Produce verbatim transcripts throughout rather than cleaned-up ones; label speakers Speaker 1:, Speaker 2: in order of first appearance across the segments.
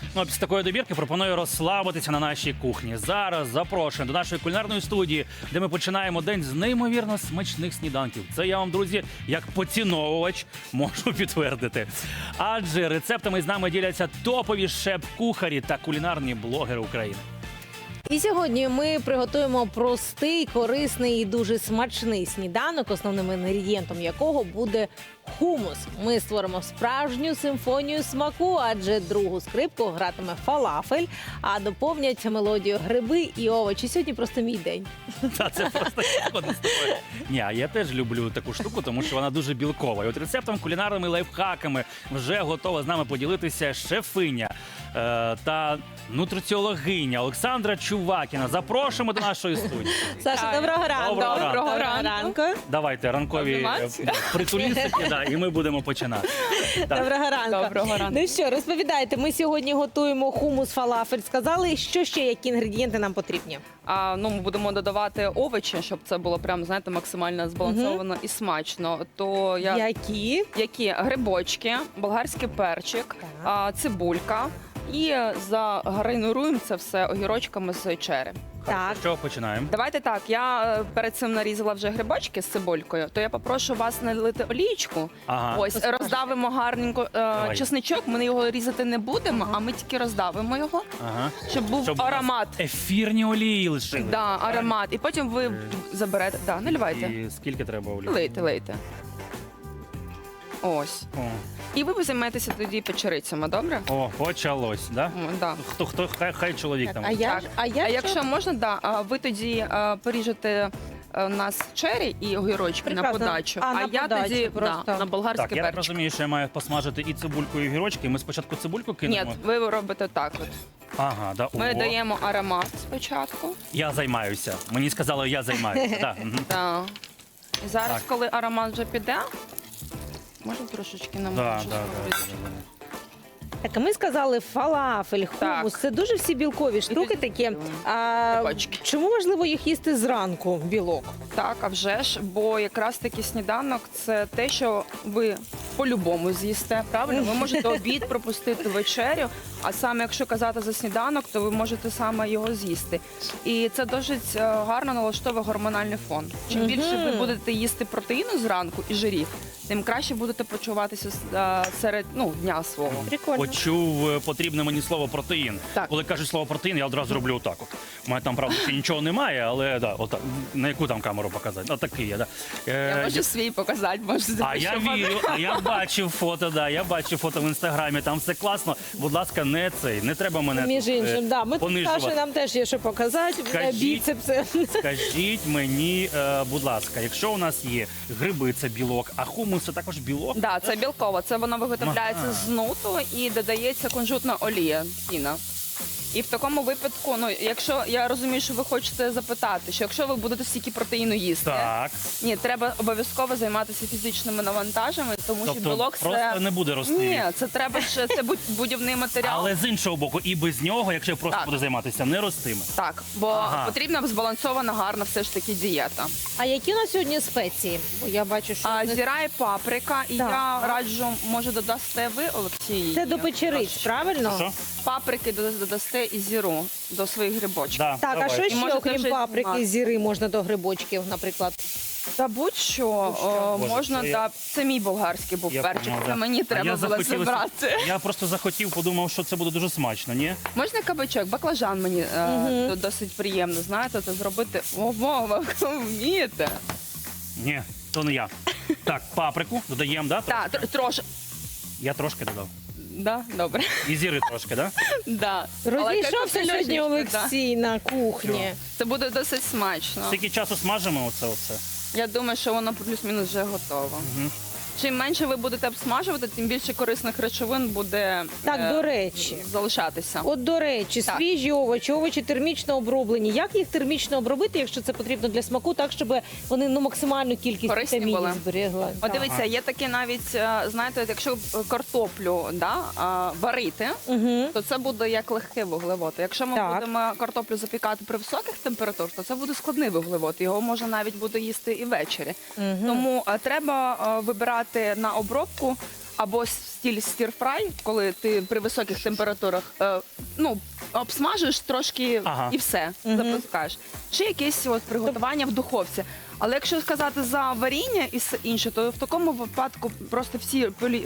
Speaker 1: Ну а після такої добірки пропоную розслабитися на нашій кухні. Зараз запрошуємо до нашої кулінарної студії, де ми починаємо день з неймовірно смачних сніданків. Це я вам, друзі, як поціновувач можу підтвердити. Адже рецептами з нами діляться топові шеф-кухарі та кулінарні блогери України.
Speaker 2: І сьогодні ми приготуємо простий, корисний і дуже смачний сніданок, основним інгредієнтом якого буде хумус. Ми створимо справжню симфонію смаку, адже другу скрипку гратиме фалафель, а доповнять мелодію гриби і овочі. Сьогодні просто мій день.
Speaker 1: Та це просто згоден з тобою. Ні, а я теж люблю таку штуку, тому що вона дуже білкова. І от рецептом, кулінарними лайфхаками вже готова з нами поділитися шефиня е, та нутриціологиня Олександра Чувакіна. Запрошуємо до нашої студії.
Speaker 2: Саша, доброго ранку.
Speaker 1: Доброго ранку.
Speaker 2: Доброго ранку.
Speaker 1: Давайте ранкові е, притулістики, да, і ми будемо починати. Так.
Speaker 2: Доброго ранку.
Speaker 3: Доброго ранку.
Speaker 2: Ну що, розповідайте, ми сьогодні готуємо хумус фалафель. Сказали, що ще, які інгредієнти нам потрібні?
Speaker 3: А, ну, ми будемо додавати овочі, щоб це було прям, знаєте, максимально збалансовано і смачно. То я...
Speaker 2: Які?
Speaker 3: Які? Грибочки, болгарський перчик, а, цибулька. І загрейнуруємо це все огірочками з черри.
Speaker 2: Так.
Speaker 1: Що починаємо?
Speaker 3: Давайте так, я е, перед цим нарізала вже грибочки з цибулькою, то я попрошу вас налити олійку.
Speaker 1: Ага.
Speaker 3: Ось, роздавимо гарненько е,
Speaker 1: Давай.
Speaker 3: чесничок, ми його різати не будемо, а ми тільки роздавимо його,
Speaker 1: Ага.
Speaker 3: щоб був
Speaker 1: Щоб у нас
Speaker 3: аромат.
Speaker 1: ефірні олії лишили.
Speaker 3: Да, аромат. І потім ви заберете. Да, наливайте.
Speaker 1: І скільки треба олії?
Speaker 3: Лийте, лийте. Ось.
Speaker 1: О,
Speaker 3: І ви займаєтеся тоді печерицями, добре?
Speaker 1: о, почалось, да?
Speaker 3: М, Да.
Speaker 1: Хто, хто, хай, хай чоловік там.
Speaker 2: А я,
Speaker 3: Так.
Speaker 2: ж- а я
Speaker 3: А
Speaker 2: що?
Speaker 3: якщо можна, да, а ви тоді а, поріжете а, у нас чері і огірочки на
Speaker 2: Прекрасно.
Speaker 3: подачу,
Speaker 2: А, на
Speaker 3: я
Speaker 2: подачу
Speaker 3: тоді
Speaker 2: просто.
Speaker 3: да, на болгарський
Speaker 1: Так, я так
Speaker 3: перчик.
Speaker 1: розумію, що я маю посмажити і цибульку, і огірочки. Ми спочатку цибульку
Speaker 3: Ні,
Speaker 1: кинемо.
Speaker 3: ви робите так. От.
Speaker 1: Ага, да.
Speaker 3: Ми
Speaker 1: О,
Speaker 3: даємо аромат спочатку.
Speaker 1: я займаюся. Мені сказали, я займаюся. Да. мгм.
Speaker 3: Да. І зараз,
Speaker 1: Так.
Speaker 3: коли аромат вже піде, можна трошечки
Speaker 1: Да,
Speaker 3: намочити.
Speaker 1: да, да, да, да.
Speaker 2: Так, а ми сказали фалафель, хумус.
Speaker 3: Так.
Speaker 2: Це дуже всі білкові штуки
Speaker 3: тоді
Speaker 2: такі.
Speaker 3: білкові.
Speaker 2: А,
Speaker 3: Грибочки.
Speaker 2: чому важливо їх їсти зранку, білок?
Speaker 3: Так, а вже ж, бо якраз таки сніданок це те, що ви по-любому з'їсте. Правильно, ви можете обід пропустити, вечерю. А саме якщо казати за сніданок, то ви можете саме його з'їсти. І це досить е, гарно налаштовує гормональний фон. Чим більше ви будете їсти протеїну зранку і жирів, тим краще будете почуватися е, серед ну, дня свого.
Speaker 2: Прикольно.
Speaker 1: Почув е, потрібне мені слово протеїн.
Speaker 3: Так.
Speaker 1: Коли кажуть слово протеїн, я одразу роблю отак. От. У мене там, правда, ще нічого немає, але да, отак. На яку там камеру показати? Отакий я, да. Е,
Speaker 3: Я можу свій показати, можете
Speaker 1: А я вірю, а я бачив фото, да, я бачив фото в інстаграмі, там все класно. Будь ласка, не цей, не треба мене
Speaker 2: Між
Speaker 1: тут, е,
Speaker 2: іншим, да. Ми тут
Speaker 1: понижувати.
Speaker 2: Саші, нам теж є що показати.
Speaker 1: Скажіть.
Speaker 2: Біцепси.
Speaker 1: Скажіть мені, е, будь ласка, якщо у нас є гриби, це білок, а хумус це також білок?
Speaker 3: Да, це білково. Це воно виготовляється
Speaker 1: Ага.
Speaker 3: з нуту і додається кунжутна олія, піна. І в такому випадку, ну якщо я розумію, що ви хочете запитати, що якщо ви будете стільки протеїну їсти,
Speaker 1: Так.
Speaker 3: ні, треба обов'язково займатися фізичними навантажами, тому що
Speaker 1: Тобто
Speaker 3: білок
Speaker 1: просто
Speaker 3: це
Speaker 1: не буде рости.
Speaker 3: ні, це треба ще це будь- будівний матеріал.
Speaker 1: Але з іншого боку, і без нього, якщо я просто
Speaker 3: Так.
Speaker 1: буду займатися, не ростиме.
Speaker 3: Так, бо
Speaker 1: Ага.
Speaker 3: потрібна збалансована, гарна все ж таки дієта.
Speaker 2: А які у нас сьогодні спеції? Бо я бачу, що
Speaker 3: А
Speaker 2: у нас-
Speaker 3: зіра і паприка, і
Speaker 2: Так.
Speaker 3: я раджу, може додасте ви, Олексій.
Speaker 2: це до печериць, правильно?
Speaker 1: Що?
Speaker 3: Паприки дода- додасте і зіру до своїх грибочків.
Speaker 1: Да,
Speaker 2: Так,
Speaker 1: давай.
Speaker 2: а що
Speaker 3: І
Speaker 2: ще,
Speaker 3: можете
Speaker 2: окрім
Speaker 3: вже
Speaker 2: паприки,
Speaker 3: знімати.
Speaker 2: зіри можна до грибочків, наприклад?
Speaker 3: Та будь-що о,
Speaker 1: Боже,
Speaker 3: можна,
Speaker 1: це я-
Speaker 3: да. Це мій болгарський був
Speaker 1: Я
Speaker 3: перчик,
Speaker 1: поняла,
Speaker 3: це
Speaker 1: да.
Speaker 3: мені
Speaker 1: А
Speaker 3: треба
Speaker 1: я
Speaker 3: було
Speaker 1: захотілося-
Speaker 3: забрати.
Speaker 1: Я просто захотів, подумав, що це буде дуже смачно, ні?
Speaker 3: Можна кабачок, баклажан мені е, до- досить приємно, знаєте, це зробити. Ого, ви вмієте.
Speaker 1: Ні, то не я. Так, паприку додаємо, да?
Speaker 3: Так, тр- трошки.
Speaker 1: Я трошки додав.
Speaker 3: Да, добре.
Speaker 1: І зіри трошки, да?
Speaker 3: Да. Але
Speaker 2: Розійшовся
Speaker 3: як
Speaker 2: сьогодні
Speaker 3: Олексій, да.
Speaker 2: Олексій на кухні.
Speaker 3: Це буде досить смачно.
Speaker 1: Скільки часу смажимо оце оце?
Speaker 3: Я думаю, що воно плюс-мінус вже готово. Чим менше ви будете обсмажувати, тим більше корисних речовин буде
Speaker 2: Так,
Speaker 3: е,
Speaker 2: до речі.
Speaker 3: залишатися.
Speaker 2: От, до речі,
Speaker 3: Так.
Speaker 2: свіжі овочі, овочі термічно оброблені. Як їх термічно обробити, якщо це потрібно для смаку, так, щоб вони ну, максимальну кількість
Speaker 3: Корисні
Speaker 2: вітамінів
Speaker 3: були.
Speaker 2: зберегли?
Speaker 3: От
Speaker 2: Так.
Speaker 3: дивіться, є таке навіть, е, знаєте, якщо картоплю да, а, варити,
Speaker 2: Угу.
Speaker 3: то це буде як легкий вуглевод. Якщо ми
Speaker 2: Так.
Speaker 3: будемо картоплю запікати при високих температурах, то це буде складний вуглевод. Його можна навіть буде їсти і ввечері.
Speaker 2: Угу.
Speaker 3: Тому е, треба е, вибирати на обробку або стіль стір-фрай, коли ти при високих температурах е, ну, обсмажуєш трошки
Speaker 1: Ага.
Speaker 3: і все, запускаєш. Чи якесь от приготування в духовці. Але якщо сказати за варіння і все інше, то в такому випадку просто всі полі-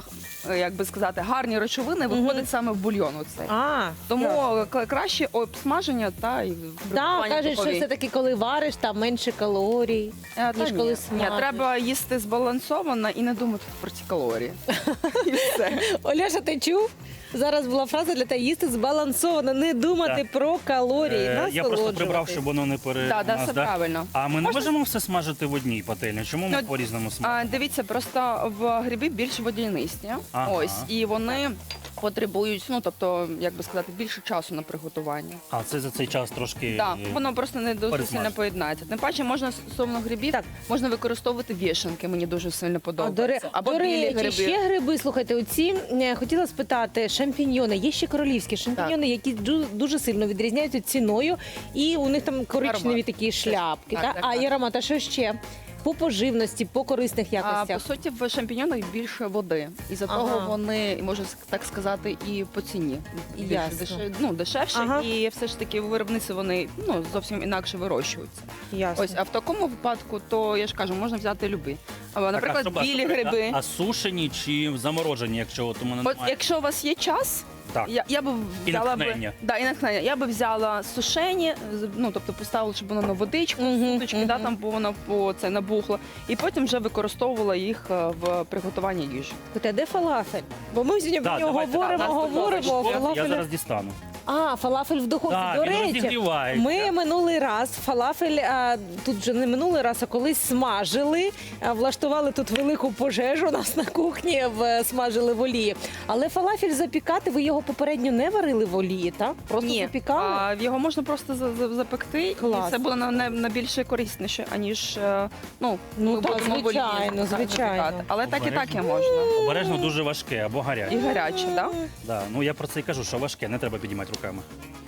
Speaker 3: е, як би сказати, гарні речовини виходять саме в бульйон. Оцей.
Speaker 2: А,
Speaker 3: Тому
Speaker 2: ясно.
Speaker 3: к- краще обсмаження та і
Speaker 2: Да,
Speaker 3: приготування
Speaker 2: кажуть, що
Speaker 3: духовій.
Speaker 2: все-таки коли вариш, там менше калорій,
Speaker 3: Е, та
Speaker 2: ніж
Speaker 3: ні.
Speaker 2: коли
Speaker 3: Ні,
Speaker 2: смажиш.
Speaker 3: треба їсти збалансовано і не думати про ці калорії. І все.
Speaker 2: Оляша, ти чув? Зараз була фраза для тебе їсти збалансовано, не думати
Speaker 1: Так.
Speaker 2: про калорії,
Speaker 1: Е, Я просто
Speaker 2: насолоджуватись.
Speaker 1: прибрав, щоб воно не пере...
Speaker 3: Так,
Speaker 1: нас,
Speaker 3: це
Speaker 1: да?
Speaker 3: правильно.
Speaker 1: А ми не
Speaker 3: Можна-
Speaker 1: можемо все смажити в одній пательні? Чому ми
Speaker 3: Ну,
Speaker 1: по-різному смажимо?
Speaker 3: А, дивіться, просто в гриби більш водянисті.
Speaker 1: Ага.
Speaker 3: Ось, і вони потребують, ну тобто, як би сказати, більше часу на приготування.
Speaker 1: А це за цей час трошки...
Speaker 3: Так,
Speaker 1: е,
Speaker 3: воно просто не дуже
Speaker 1: пересмажити.
Speaker 3: сильно поєднається. Тим паче можна стосовно грибів,
Speaker 2: Так.
Speaker 3: можна використовувати вішанки, мені дуже сильно
Speaker 2: А,
Speaker 3: подобається.
Speaker 2: до, ре...
Speaker 3: Або
Speaker 2: до
Speaker 3: білі
Speaker 2: речі,
Speaker 3: гриби.
Speaker 2: ще гриби, слухайте, оці, е, хотіла спитати, шампіньйони, є ще королівські шампіньйони, які ду- дуже сильно відрізняються ціною, і у них там коричневі
Speaker 3: Аромат.
Speaker 2: такі шляпки,
Speaker 3: Так,
Speaker 2: та?
Speaker 3: так,
Speaker 2: а
Speaker 3: так.
Speaker 2: і аромат, а що ще? По поживності, по корисних
Speaker 3: А,
Speaker 2: якостях.
Speaker 3: по суті, в шампіньонах більше води. І за
Speaker 2: Ага.
Speaker 3: того вони, можна так сказати, і по ціні більш
Speaker 2: Ясно.
Speaker 3: дешев- ну, дешевше.
Speaker 2: Ага.
Speaker 3: І все ж таки в виробниці вони ну, зовсім інакше вирощуються.
Speaker 2: Ясно.
Speaker 3: Ось, а в такому випадку, то я ж кажу, можна взяти любий. Або,
Speaker 1: Так,
Speaker 3: наприклад,
Speaker 1: а що- а
Speaker 3: білі
Speaker 1: що-
Speaker 3: гриби.
Speaker 1: А, а сушені чи заморожені, якщо от у мене
Speaker 3: От
Speaker 1: немає?
Speaker 3: якщо у вас є час,
Speaker 1: Так.
Speaker 3: я, я би
Speaker 1: І
Speaker 3: взяла
Speaker 1: натхнення.
Speaker 3: би да, і натхнення. Я би взяла сушені, з- ну тобто поставила, щоб воно на водичку,
Speaker 2: Мгм,
Speaker 3: суточки, да,
Speaker 2: мгм.
Speaker 3: там бо воно по це набухло, і потім вже використовувала їх е, в приготуванні їжі.
Speaker 2: Слухайте, а де фалафель? Бо ми сьогодні про
Speaker 1: Так,
Speaker 2: нього
Speaker 1: давайте,
Speaker 2: говоримо,
Speaker 3: так,
Speaker 2: говоримо.
Speaker 3: наступне.
Speaker 1: Я,
Speaker 2: фалафель...
Speaker 1: я зараз дістану.
Speaker 2: А, фалафель в духовці.
Speaker 1: Так,
Speaker 2: До
Speaker 1: він
Speaker 2: речі,
Speaker 1: розігрівається.
Speaker 2: ми минулий раз фалафель, а, тут вже не минулий раз, а колись смажили, а, влаштували тут велику пожежу у нас на кухні, в, смажили в олії. Але фалафель запікати, ви його попередньо не варили в олії, так? Просто
Speaker 3: Ні,
Speaker 2: запікали?
Speaker 3: а, його можна просто за- за- запекти,
Speaker 2: Клас.
Speaker 3: і це було на, на, на більше корисніше, аніж е, ну,
Speaker 2: Ну,
Speaker 3: ми
Speaker 2: так,
Speaker 3: будемо в олії
Speaker 2: звичайно,
Speaker 3: запікати.
Speaker 2: звичайно.
Speaker 3: Але так і так і
Speaker 1: Обережно.
Speaker 3: можна.
Speaker 1: Обережно дуже важке або гаряче.
Speaker 3: І гаряче, так?
Speaker 1: Да. Ну я про це і кажу, що важке, не треба підіймати руками.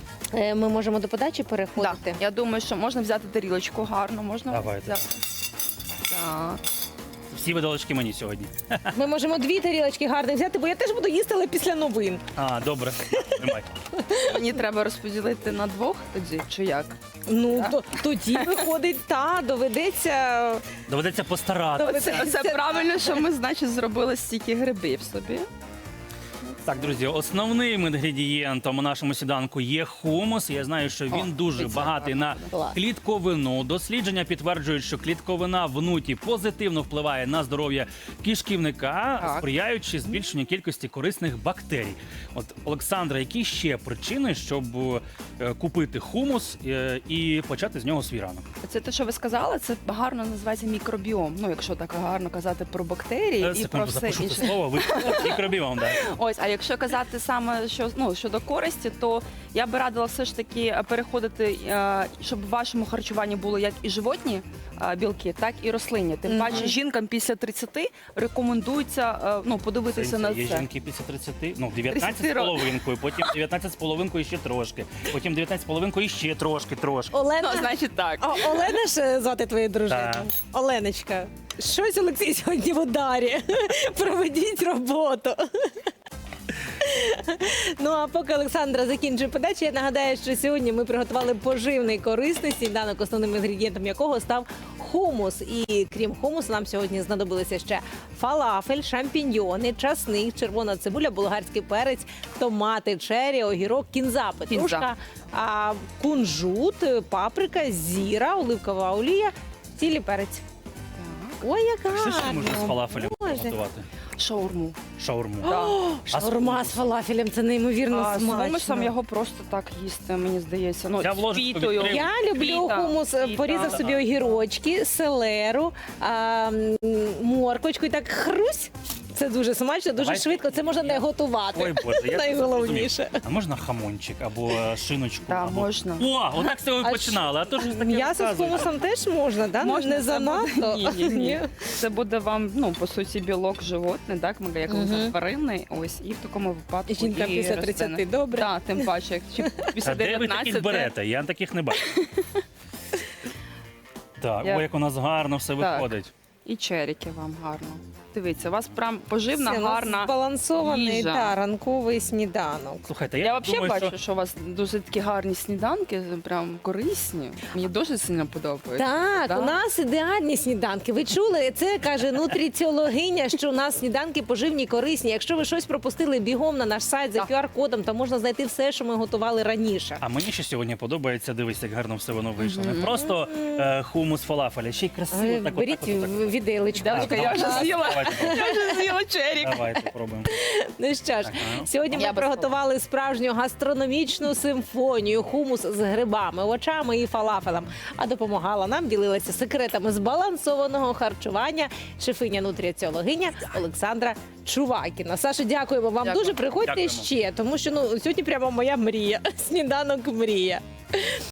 Speaker 2: Е, Ми можемо до подачі переходити.
Speaker 3: Так, я думаю, що можна взяти тарілочку гарно, можна
Speaker 1: Давайте.
Speaker 3: взяти. Так.
Speaker 1: Всі видалочки мені сьогодні.
Speaker 2: Ми можемо дві тарілочки гарних взяти, бо я теж буду їсти, але після новин.
Speaker 1: А, добре. Тримай.
Speaker 3: Мені треба розподілити на двох тоді, чи як?
Speaker 2: Ну,
Speaker 3: Так.
Speaker 2: то, тоді виходить, та, доведеться...
Speaker 1: Доведеться постаратися.
Speaker 3: Це, це правильно, що ми, значить, зробили стільки грибів собі.
Speaker 1: Так, друзі, основним інгредієнтом у нашому сніданку є хумус. Я знаю, що він
Speaker 3: О,
Speaker 1: дуже
Speaker 3: це
Speaker 1: багатий на
Speaker 2: Клас.
Speaker 1: клітковину. Дослідження підтверджують, що клітковина в нуті позитивно впливає на здоров'я кишківника,
Speaker 3: Так.
Speaker 1: сприяючи збільшенню кількості корисних бактерій. От, Олександра, які ще причини, щоб е, купити хумус е, і почати з нього свій ранок?
Speaker 3: Це те, що ви сказали, це гарно називається мікробіом. Ну, якщо так гарно казати про бактерії
Speaker 1: Е,
Speaker 3: і про
Speaker 1: Секунду,
Speaker 3: все
Speaker 1: запишу це
Speaker 3: інше.
Speaker 1: слово, ви мікробіом, да.
Speaker 3: Ось, а якщо казати саме що ну щодо користі, то я би радила все ж таки переходити, е, щоб в вашому харчуванні було як і животні е, білки, так і рослинні. Тим
Speaker 2: Мгм.
Speaker 3: паче жінкам після тридцяти рекомендується е, ну подивитися на
Speaker 1: Є
Speaker 3: це.
Speaker 1: жінки після тридцяти, ну дев'ятнадцять з
Speaker 3: тридцяти
Speaker 1: половинкою, потім дев'ятнадцять з половинкою ще трошки, потім дев'ятнадцять з половинкою ще трошки, трошки.
Speaker 2: Олена,
Speaker 3: Ну, значить так.
Speaker 2: О, Олена ж звати твою дружину?
Speaker 1: Так.
Speaker 2: Оленочка, щось Олексій сьогодні в ударі. Проведіть роботу. Ну а поки Олександра закінчує подачу, я нагадаю, що сьогодні ми приготували поживний корисний сніданок, основним інгредієнтом якого став хумус. І крім хумусу, нам сьогодні знадобилися ще фалафель, шампіньйони, часник, червона цибуля, болгарський перець, томати, чері, огірок, кінза, петрушка, а, кунжут, паприка, зіра, оливкова олія, цілий перець. Ой, як гарно!
Speaker 1: Що ще можна з фалафелем
Speaker 2: Боже.
Speaker 1: готувати?
Speaker 3: Шаурму.
Speaker 1: Шаурму.
Speaker 3: Да.
Speaker 2: Шаурма з фалафелем, це неймовірно
Speaker 3: А з
Speaker 2: смачно.
Speaker 3: хумусом його просто так їсти, мені здається. Ну,
Speaker 1: Я в
Speaker 3: з
Speaker 1: ложечку
Speaker 3: пітою.
Speaker 1: відкрив.
Speaker 2: Я люблю
Speaker 3: Піта,
Speaker 2: хумус,
Speaker 3: піта.
Speaker 2: порізав собі огірочки, селеру, а, м, морквочку і так хрусь. Це дуже смачно, дуже
Speaker 1: Давай.
Speaker 2: швидко. Це можна не готувати.
Speaker 1: Ой, Боже, я
Speaker 2: Найголовніше.
Speaker 1: зрозумів. А можна хамончик або е, шиночку?
Speaker 3: Да,
Speaker 1: або...
Speaker 3: можна.
Speaker 1: О, отак це ви
Speaker 2: А
Speaker 1: починали, а то ж таке
Speaker 2: М'ясо з
Speaker 1: розказуєте.
Speaker 2: хумусом теж можна, да?
Speaker 3: Можна,
Speaker 2: не
Speaker 3: це
Speaker 2: занадто.
Speaker 3: буде- Ні, ні, ні. Це буде вам, ну, по суті, білок животний, так, ми як
Speaker 2: Мгм.
Speaker 3: тваринний, ось, і в такому випадку
Speaker 2: Жінка
Speaker 3: і
Speaker 2: після
Speaker 3: рослини.
Speaker 2: тридцяти, добре.
Speaker 3: Так, тим паче, як чи після
Speaker 1: А де ви таких
Speaker 3: дев'ятнадцяти.
Speaker 1: берете? Я таких не бачу. Так,
Speaker 3: Я-
Speaker 1: ой, як у нас гарно все
Speaker 3: Так.
Speaker 1: виходить.
Speaker 3: І черіки вам гарно. Дивіться, у вас прям поживна,
Speaker 2: Це у нас
Speaker 3: гарна
Speaker 2: збалансований
Speaker 3: їжа.
Speaker 2: та, ранковий сніданок.
Speaker 1: Слухайте, я,
Speaker 3: Я взагалі
Speaker 1: думаю,
Speaker 3: бачу,
Speaker 1: що
Speaker 3: що... у вас дуже такі гарні сніданки, прям корисні. Мені дуже сильно подобається.
Speaker 2: Так,
Speaker 3: Да?
Speaker 2: у нас ідеальні сніданки. Ви чули? Це каже нутриціологиня, що у нас сніданки поживні, корисні. Якщо ви щось пропустили, бігом на наш сайт за
Speaker 3: Так.
Speaker 2: ку ар кодом, там можна знайти все, що ми готували раніше.
Speaker 1: А мені ще сьогодні подобається, дивись, як гарно все воно вийшло. Не просто е, хумус фалафеля, ще й красиво.
Speaker 2: Ви
Speaker 1: так, от,
Speaker 2: Беріть
Speaker 1: так, от, так.
Speaker 2: в- віделечку.
Speaker 3: Дашка, я вже
Speaker 1: Давайте,
Speaker 3: з'їла.
Speaker 1: давайте,
Speaker 3: Я вже з'їла черік.
Speaker 1: Давайте пробуємо.
Speaker 2: Ну що ж,
Speaker 1: Так, ну.
Speaker 2: сьогодні ми
Speaker 3: Я без
Speaker 2: приготували справжню гастрономічну симфонію, хумус з грибами, овочами і фалафелем. А допомагала нам, ділилася секретами збалансованого харчування шефиня нутриціологиня Олександра Чувакіна. Саша, дякуємо вам
Speaker 3: Дякую.
Speaker 2: дуже. Приходьте
Speaker 1: Дякуємо.
Speaker 2: ще, тому що ну сьогодні прямо моя мрія. Сніданок мрія.